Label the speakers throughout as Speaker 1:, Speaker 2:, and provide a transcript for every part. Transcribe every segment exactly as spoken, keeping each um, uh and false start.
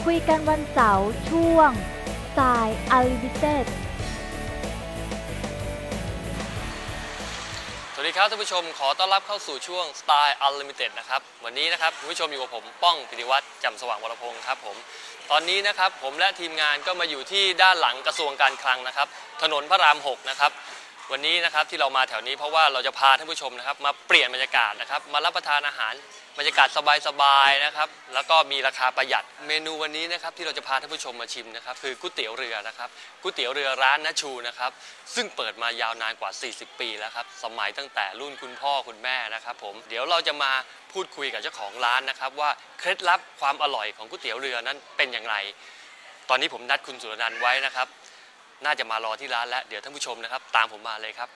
Speaker 1: คุยกันวันเสาร์ช่วง Style Unlimited
Speaker 2: สวัสดีครับท่านผู้ชมขอต้อนรับเข้าสู่ช่วง Style Unlimited นะครับวันนี้นะครับคุณผู้ชมอยู่กับผมป้องพิธิวัฒน์จำสว่างวรพงศ์ครับผมตอนนี้นะครับผมและทีมงานก็มาอยู่ที่ด้านหลังกระทรวงการคลังนะครับถนนพระรามหกนะครับวันนี้นะครับที่เรามาแถวนี้เพราะว่าเราจะพาท่านผู้ชมนะครับมาเปลี่ยนบรรยากาศนะครับมารับประทานอาหารบรรยากาศสบายๆนะครับแล้วก็มีราคาประหยัดเมนูวันนี้นะครับที่เราจะพาท่านผู้ชมมาชิมนะครับคือก๋วยเตี๋ยวเรือนะครับก๋วยเตี๋ยวเรือร้านณชูนะครับซึ่งเปิดมายาวนานกว่าสี่สิบปีแล้วครับสมัยตั้งแต่รุ่นคุณพ่อคุณแม่นะครับผมเดี๋ยวเราจะมาพูดคุยกับเจ้าของร้านนะครับว่าเคล็ดลับความอร่อยของก๋วยเตี๋ยวเรือนั้นเป็นอย่างไรตอนนี้ผมนัดคุณสุรนันท์ไว้นะครับน่าจะมารอที่ร้านแล้วเดี๋ยวท่านผู้ชมนะครับตามผมมาเลยครับ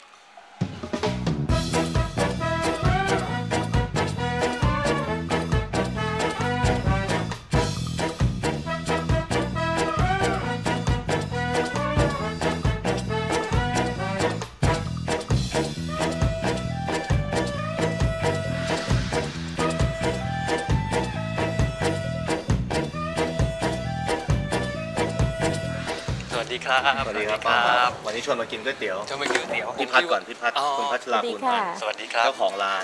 Speaker 2: สวัสดีครับ
Speaker 3: สวัสดีครับวันนี้ชวนมากินก๋วยเตี๋ยว
Speaker 2: ชวนมากินก๋วยเตี๋ยว
Speaker 3: พี่พัดก่อนพี่พัดคุณพัชราภูลพันธ์
Speaker 2: สวัสดีครับ
Speaker 3: เจ้าของร้าน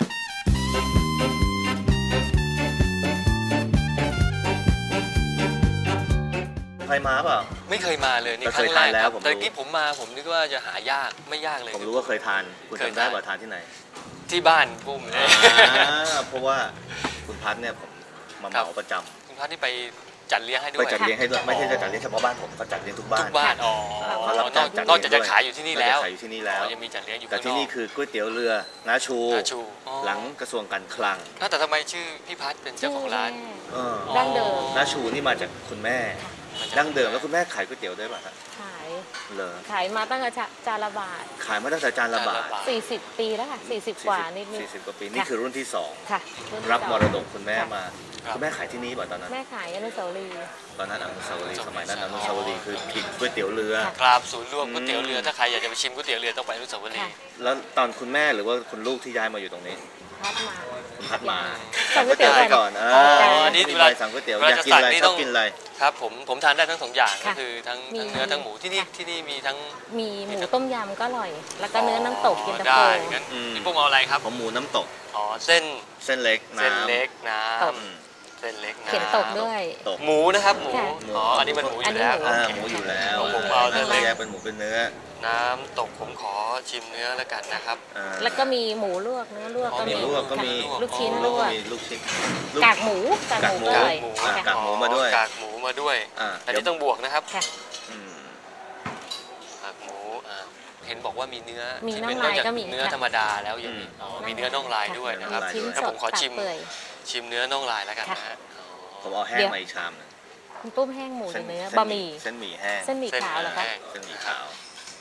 Speaker 3: เคยมาเปล่า
Speaker 2: ไม่เคยมาเลยนี่ครั้งแรกครับแต่กี้ผมมาผมนึกว่าจะหายากไม่ยากเลย
Speaker 3: ผมรู้ว่าเคยทานคุณจำได้ป่ะทานที่ไหน
Speaker 2: ที่บ้านปุ้มเลย
Speaker 3: เพราะว่าคุณพัดเนี่ยผมมาเหมาประจำ
Speaker 2: คุณพัดที่ไปจัดเลี้ยงให้ด้วย
Speaker 3: ไปจัดเลี้ยงให้ด้วยไม่ใช่จะจัดเลี้ยงเฉพาะบ้านผมก็จัดเลี้ยงทุกบ้าน
Speaker 2: ทุกบ้านอ๋อเขารับจัดจัดนอกจากจะขายอยู่ที่นี่แล้ว
Speaker 3: ขายอยู่ที่นี่แล้ว
Speaker 2: ยังมีจัดเลี้ยงอยู่
Speaker 3: แต่ที่นี่คือก๋วยเตี๋ยวเรือน้าชูหลังกระทรวงการคลัง
Speaker 2: แต่ทำไมชื่อพี่พัดเป็นเจ้าของร้าน
Speaker 1: ดั้งเดิม
Speaker 3: น้าชูนี่มาจากคุณแม่ดั้งเดิมแล้วคุณแม่ขายก๋วยเตี๋ยวด้วยป่ะครับ
Speaker 1: ขาย
Speaker 3: เหรอ
Speaker 1: ขายมาตั้งแต่จานละบาท
Speaker 3: ขายมาตั้งแต่จานละบาท
Speaker 1: สี่สิบปีแล้วค่ะสี่สิบกว่านิด
Speaker 3: สี่สิบกว่าปีนี่คือรุ่นที่สอง
Speaker 1: ค่ะ
Speaker 3: รับมรดกคุณแม่มาคุณแม่ขายที่นี่ป่ะตอนนั้น
Speaker 1: แม่ขายอนุสาวรีย์
Speaker 3: ตอนนั้นอนุสาวรีย์สมัยนั้นอนุสาวรีย์คือกินก๋วยเตี๋ยวเรือ
Speaker 2: ครับศูนย์รวมก๋วยเตี๋ยวเรือถ้าใครอยากจะไปชิมก๋วยเตี๋ยวเรือต้องไปอนุสาวรีย์
Speaker 3: แล้วตอนคุณแม่หรือว่าคุณลูกที่ย้ายมาอยู่ตรงนี้
Speaker 1: พัดมา
Speaker 3: พัดมา
Speaker 1: สั่งก๋วยเตี๋ยว
Speaker 3: ก่อนอ๋ออันนี้เวลาสั่งก๋วยเตี๋ยวอยากกินอะไรชอบกินอะไร
Speaker 2: ครับผมผมทานได้ทั้งสองอย่างก็คือทั้งเนื้อทั้งหมูที่นี่ที่นี่มีทั้ง
Speaker 1: มีหมูต้มยำก็อร่อยแล้วก็เนื้อน้ำตกกินตะโฟ
Speaker 2: งั้นพี่ปุ้มเอาอะไรครับ
Speaker 3: ผมหมูน้ำตก
Speaker 2: อ๋อเส้น
Speaker 3: เส้นเล็กน้ำ
Speaker 2: เส้นเล็กน้ำเส้นเล็กน้ำ
Speaker 1: เขียนตกด้วย
Speaker 2: หมูนะครับหมูอ๋ออันนี้มันหมูอยู่แล้ว
Speaker 3: หมูอยู่แล้ว
Speaker 2: ผมเอาเส้นเล็ก
Speaker 3: เป็นหมูเป็นเนื้อ
Speaker 2: น้ำตกผมขอชิมเนื้อแล้วกันนะครับ
Speaker 1: แล้วก็มีหมูลวกเนื้อลวกก็มี
Speaker 3: ลวกก็มี
Speaker 1: ลูกชิ้นลวก
Speaker 3: ลูกชิ้น
Speaker 1: กากหมูกากหมูด้วย
Speaker 3: กากหมูมาด้วย
Speaker 2: กากหมูมาด้วยแต่นี่ต้องบวกนะครับกากหมูเห็นบอกว่ามีเนื้อ
Speaker 1: ที่เป็นนอกจาก
Speaker 2: เนื้อธรรมดาแล้วยังมีมีเนื้อน่องลายด้วยนะครับถ้าผมขอชิมชิมเนื้อน่องลายแล้วกันนะฮะ
Speaker 3: ผมเอาแห้งมาอีกชามนึง
Speaker 1: คุณปุ้มแห้งหมูเนื้อบะหมี่
Speaker 3: เส้นหมี่แห้ง
Speaker 1: เส้นหมี่ขาวเหรอคะ
Speaker 3: เส้นหมี่ขาว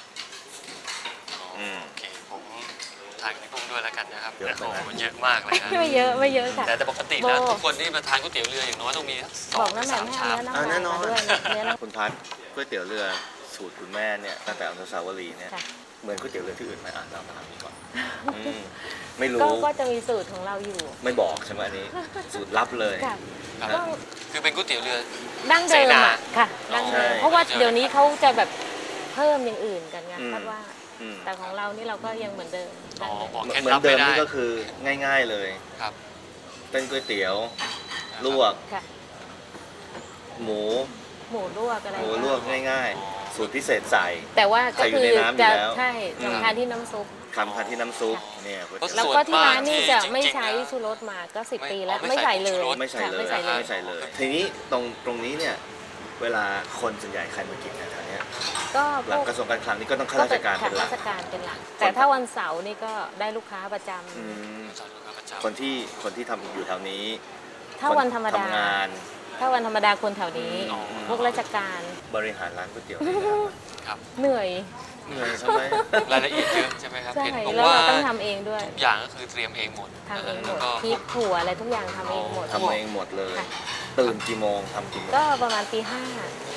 Speaker 2: โอเคผมทานพี่ปุ้มด้วยแล้วกันนะครับโอ้โหเยอะมากเลยครับ
Speaker 1: ไม่เยอะไม่เยอะค่ะ
Speaker 2: แต่ปกติแล้วทุกคนที่มาทานก๋วยเตี๋ยวเรืออย่างน้อยต้องมีสองสามชาม
Speaker 3: แน่นอนคุณพัดก๋วยเตี๋ยวเรือสูตรคุณแม่เนี่ยตั้งแต่อนุสาวรีย์เนี่ยเหมือนก๋วยเตี๋ยวเรือที่อื่นไหมอ่านเราถามก่อนไม่รู้
Speaker 1: ก็จะมีสูตรของเราอยู่
Speaker 3: ไม่บอกใช่ไหมอันนี้สูตรลับเลย
Speaker 2: คือเป็นก๋วยเตี๋ยวเรือ
Speaker 1: ดั้งเดิมค่ะดั้งเดิมเพราะว่าเดี๋ยวนี้เขาจะแบบเพิ่มอย่างอื่นกันไงคาดว่าแต่ของเรานี่เราก็ยังเหมือนเดิม
Speaker 3: เหมือนเดิมนี่ก็คือง่ายๆเลย
Speaker 2: ครับ
Speaker 3: เป็นก๋วยเตี๋ยวลวกหมู
Speaker 1: หมูลวกอะไร
Speaker 3: หมูลวกง่ายๆสูตรพิเศษใส่
Speaker 1: แต่ว่าก็คือจะใช่สำคัญที่น้ำซุป
Speaker 3: สำคัญที่น้ำซุปเนี่ย
Speaker 1: แล้วก็ที่ร้านนี่จะไม่ใช้ชูรสมาก็สิบปีแล้วไม่ใส่เลย
Speaker 3: ไม่ใส่เลยไม่ใส่เลยทีนี้ตรงตรงนี้เนี่ยเวลาคนส่วนใหญ่ใครมากินแถวนี้
Speaker 1: ก็
Speaker 3: หลังกระทรวงการคลังนี่ก็ต้องข้าราชการเป็นหลัก
Speaker 1: ข้าราชการเป็นหลักแต่ถ้าวันเสาร์นี่ก็ได้ลูกค้าประจ
Speaker 3: ำคนที่คนที่ทำอยู่แถวนี้
Speaker 1: ถ้าวันธรรมดา
Speaker 3: ทำงาน
Speaker 1: ถ้าวันธรรมดาคนแถวนี้พวกราชการ
Speaker 3: บริหารร้านก๋วยเตี๋ยว
Speaker 1: เหนื่อย
Speaker 2: เหนื่อยใช่ไหมรายละเอียดเยอะใช่ไหมครับ
Speaker 1: เห็นบอกว่าต้องทำเองด้วย
Speaker 2: ทุกอย่างก็คือเตรียมเองหมด
Speaker 1: ทำเองหมดพริกถั่วอะไรทุกอย่างทำเองหมด
Speaker 3: ทำเองหมดเลยตื่นกี่โมงทำกี่โมง
Speaker 1: ก็ประมาณตีห้า
Speaker 3: ต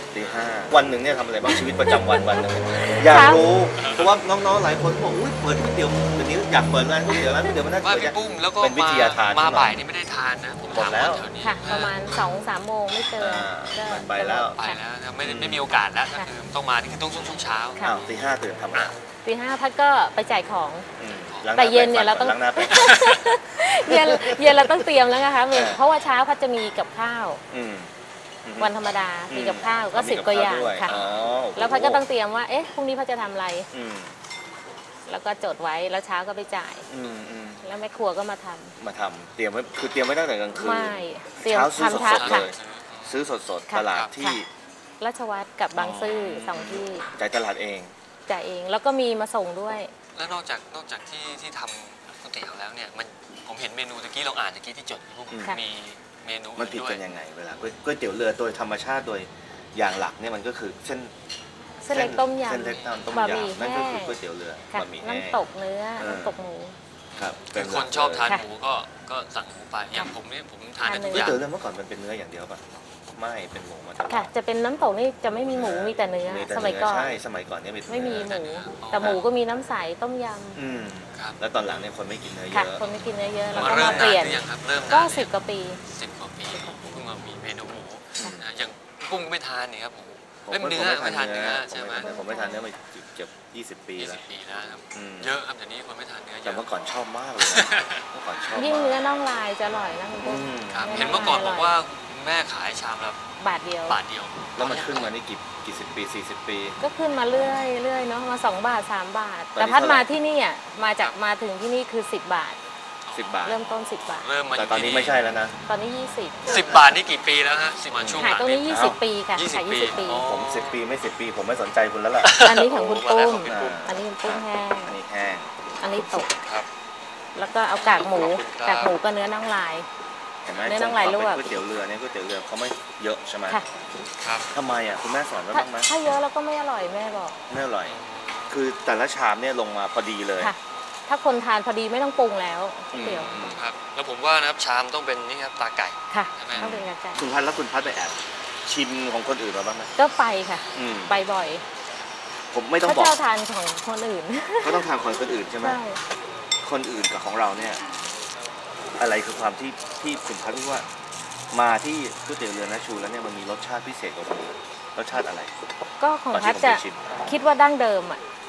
Speaker 3: ตีห้าวันหนึ่งเนี่ยทำอะไรบ้างชีวิตประจำวันวันหนึ่งอยากรู้เพราะว่าน้องๆหลายคนบอกอุ้ยเปิดก๋วยเตี๋ยวเดี๋ยวนี้อยากเปิดร้านก๋วยเตี๋ยวร้านก๋วยเตี๋ยวมันน่า
Speaker 2: ว่า
Speaker 3: เปิด
Speaker 2: พี่ปุ้มแล้วก็
Speaker 3: เป็นวิ
Speaker 2: มา
Speaker 3: ทยาทาน
Speaker 2: มาบ่ายนี่ไม่ได้ทานนะผม
Speaker 3: หมด
Speaker 2: ถาม
Speaker 3: แล้ว
Speaker 2: คนแถวนี้
Speaker 1: ค่ะ ประมาณสองสามโมงไม่เกิน
Speaker 3: อ่า
Speaker 1: ก็
Speaker 3: มันไปแล้ว
Speaker 2: ไปแล้วนะไม่ได้ไม่มีโอกาสแล้วก็คือต้องมานี่คือต้องช่วงช่วงเช้า
Speaker 1: ค่ะ
Speaker 3: อ้าวตีห้าตื่นทำอะไร
Speaker 1: ตีห้าพัดก็ไปจ่ายของ
Speaker 3: อืมล้างห
Speaker 1: แต่
Speaker 3: น้า
Speaker 1: เย็นเนี่ยเราต้อง
Speaker 3: ล้างหน้าแปรง
Speaker 1: เย็นเย็นเราต้องเตรียมแล้วนะคะ
Speaker 3: เออ
Speaker 1: เพราะว่าเช้าพัดจะมีกับข้าว
Speaker 3: อืมอืม
Speaker 1: วันธรรมดา
Speaker 3: อืม
Speaker 1: มีกับข้าวก็
Speaker 3: มี
Speaker 1: สิบ
Speaker 3: กับ
Speaker 1: กว่าอ
Speaker 3: ข้าว
Speaker 1: ย่าง
Speaker 3: ด้วย
Speaker 1: ค่ะ
Speaker 3: อ๋อโอ้โห
Speaker 1: แล้วพัดก็ต้องเตรียมว่าเอ๊ะพรุ่งนี้พัดจะทำอะไร
Speaker 3: อืม
Speaker 1: แล้วก็จดไว้แล้วเช้าก็ไปจ่าย
Speaker 3: อืมอืม
Speaker 1: แล้วแม่ครัวก็มาทำ
Speaker 3: มาทำเตรียมไว้คือเตรียมไว้ตั้งแต่กลางคืน
Speaker 1: ไม่เตรียม
Speaker 3: เช้าซื้อ
Speaker 1: ทำ
Speaker 3: ส
Speaker 1: ทั
Speaker 3: ด
Speaker 1: ก
Speaker 3: ๆ
Speaker 1: ค่ะ
Speaker 3: เลย ซื้อสดๆ
Speaker 1: ค่ะ
Speaker 3: ตลาดที่
Speaker 1: ราชวัตรกับบางซื่อสองที่
Speaker 3: จ่ายตลาดเอง
Speaker 1: จ่ายเองแล้วก็มีมาส่งด้วย
Speaker 2: แล้วนอกจากนอกจากที่ที่ทำก๋วยเตี๋ยวแล้วเนี่ยมันผมเห็นเมนูตะกี้ลองอ่านตะกี้ที่จดพี่ปุ้ม
Speaker 1: ค่ะ
Speaker 2: มีเมนู
Speaker 3: มันผิด
Speaker 2: ด้วย
Speaker 3: กันยังไงเวลาก๋วยก๋วยเตี๋ยวเรือโดยธรรมชาติโดยอย่างหลักเนี่ยมันก็คือเส้น
Speaker 1: เส้นเล็กต้มยำ
Speaker 3: เส้นเล็กต้ม
Speaker 1: บะหมี่
Speaker 3: ยำนั่นก็
Speaker 1: แห้
Speaker 3: คือง ก๋วยเตี๋ยวเรือ
Speaker 1: ค่ะ
Speaker 3: บะหมี่แห้ง
Speaker 1: น้ำตกเนื้อ
Speaker 3: เออ
Speaker 1: น้ำตกหมู
Speaker 3: ครับ
Speaker 2: คือ
Speaker 3: ห
Speaker 2: ค
Speaker 3: ลั
Speaker 2: น
Speaker 3: ก
Speaker 2: ชอบทาน
Speaker 3: เลย
Speaker 2: หมูก็ก็สั่งหมูไปอย่างผมเนี่ยผมทานได้ทุก
Speaker 3: ก๋วย
Speaker 2: อย่าง
Speaker 3: เตี๋ยวเรือเมื่อก่อนมันเป็นเนื้ออย่างเดียวป่ะไม่เป็นหมูมาตลอด
Speaker 1: ค่ะ จะเป็นน้ำตกนี่จะไม่มีหมูมีแต่เนื้อ
Speaker 3: มีแต่
Speaker 1: สมัยก่อน
Speaker 3: ใช่สมัยก่อนเนี่ยเป็น
Speaker 1: ไม่มี
Speaker 3: เนื้อ
Speaker 1: หมู แต่หมูก็มีน้ำใสต้มย
Speaker 3: อืม
Speaker 2: ครับ
Speaker 3: แล้วตอนหลังเนี่ยคนไม่กินเนื้อ
Speaker 1: ำ
Speaker 3: เย
Speaker 1: ค่ะ
Speaker 3: อะ
Speaker 1: คนไม่กินเนื้อเยอะแล้ว
Speaker 2: มา
Speaker 1: ก็
Speaker 2: เริ่
Speaker 1: มาม เป
Speaker 2: นาน
Speaker 1: ลี่ยน
Speaker 2: หรือยังครับเริ่มนาน
Speaker 1: ก็
Speaker 2: หรือยัง
Speaker 1: สิบกว่าปี
Speaker 2: สิบกว่าปีเพิ่งมามีเมนูหมูนะอย่างกุ้งก็ไม่ทานนี่ครับผม
Speaker 3: ผม
Speaker 2: เล่ม
Speaker 3: ก็
Speaker 2: เนื้อไม่ทานเนื้อ
Speaker 3: ผม
Speaker 2: ใช่ไหม
Speaker 3: ไม่ทานเนื้อผมไม่ทานเนื้อมาเกือบยี่สิบปี
Speaker 2: ยี่
Speaker 3: แล้
Speaker 2: สิ
Speaker 3: ว
Speaker 2: บปีแล้วครับ
Speaker 3: อืม
Speaker 2: เยอะครับเดี๋ยวนี้คนไม่ทานเนื้อเย
Speaker 3: แต่
Speaker 2: อะ
Speaker 3: เมื่อก่อนชอบมากเลยนะเมื่อก่อนชอบ
Speaker 1: ยิ่ง
Speaker 3: มาก
Speaker 1: เนื้อน่องลายจะอร่อยนะคุณปุ้ม
Speaker 3: อืม
Speaker 2: ครับ
Speaker 1: เนื้อ
Speaker 2: เห็นเมื่อก่อน
Speaker 1: ร่
Speaker 2: บ
Speaker 1: ย
Speaker 2: อกว่าแม่ขายชามละ
Speaker 1: บาทเดียว
Speaker 2: บาทเดียว
Speaker 3: แล้วมันขึ้นมานี่กี่กี่สิบปีสี่สิบปี
Speaker 1: ก็ขึ้นมาเรื่อยเรื่อยเนาะมาสองบาทสามบาท
Speaker 3: ตอนนี้
Speaker 1: แต่พัด
Speaker 3: เท่าไหร่
Speaker 1: มาที่นี่อ่ะมาจากมาถึงที่นี่คือสิบบาท
Speaker 3: สิบบาท
Speaker 1: เริ่มต้นสิบบาท
Speaker 2: เริ่มมา
Speaker 3: แต่ตอนนี้ไม่ใช่แล้วนะ
Speaker 1: ตอนนี้ยี่สิบ
Speaker 2: สิบบาทนี่กี่ปีแล้วฮะสิบมาช่วงห
Speaker 1: ขาย
Speaker 2: ลัง
Speaker 1: ตรงนี้ยี่สิบปีค่ะ
Speaker 2: ยี่สิบ
Speaker 1: ขาย
Speaker 2: ปี
Speaker 1: ยี่สิบปี
Speaker 2: อ๋อ
Speaker 3: ผมสิบปีไม่สิบปี ผมไม่สนใจคุณแล้วล่ะ
Speaker 1: อันนี้ของคุณปุ้ม
Speaker 2: ของคุณปุ้ม
Speaker 1: อันนี้คุณปุ้มแห้ง
Speaker 3: อันนี้แห้ง
Speaker 1: อันนี้ตก
Speaker 2: ครับ
Speaker 1: แล้วก็เอากากหมู
Speaker 2: ขอบคุณครับ
Speaker 1: กากหมูกับเนื้อน่องลาย
Speaker 3: เห็นไหม
Speaker 1: เนื้อน่องลายลวก
Speaker 3: ก๋วยเตี๋ยวเรือเนี่ยก๋วยเตี๋ยวเรือเขาไม่เยอะใช่ไหม
Speaker 1: ค่ะ
Speaker 2: ครับ
Speaker 3: ทำไมอ่ะคุณแม่สอนไว้
Speaker 1: ถ้า
Speaker 3: บ้างไหม
Speaker 1: ถ้าเยอะแล้วก็ไม่อร่อยแม่บอก
Speaker 3: ไม่อร่อย คือแต่ละชามเนี่ยลงมาพอดีเลย
Speaker 1: ค่ะ ถ้าคนทานพอดีไม่ต้องปรุงแล้วก๋วยเตี๋ยว
Speaker 3: อืม
Speaker 2: ครับ แล้วผมว่านะครับชามต้องเป็นนี่ครับตาไก่
Speaker 1: ค่ะ
Speaker 2: ใช่ไหม
Speaker 1: ต้องเป็นกากไก่
Speaker 3: คุณพัดแล้วคุณพัดไปแอบชิมของคนอื่นมาบ้างไหม
Speaker 1: ก็ไปค่ะ
Speaker 3: อืม
Speaker 1: ไปบ่อย
Speaker 3: ผมไม่ต้อง
Speaker 1: ถ้า
Speaker 3: บอก
Speaker 1: เจ้าทานของคนอื่น
Speaker 3: ก็ต้องทานของคนอื่นใช่ไหม
Speaker 1: ใช่
Speaker 3: คนอื่นกับของเราเนี่ยอะไรคือความที่ที่คุณพัดว่า มาที่ก๋วยเตี๋ยวเรือนะชูแล้วเนี่ยมันมีรสชาติพิเศษกว่าคนอื่นรสชาติอะไร
Speaker 1: ก็ของ
Speaker 3: ตอน
Speaker 1: พั
Speaker 3: ที่
Speaker 1: ด
Speaker 3: ผม
Speaker 1: จะ
Speaker 3: ไปชิม
Speaker 1: คิดว่าดั้งเดิมอ่ะ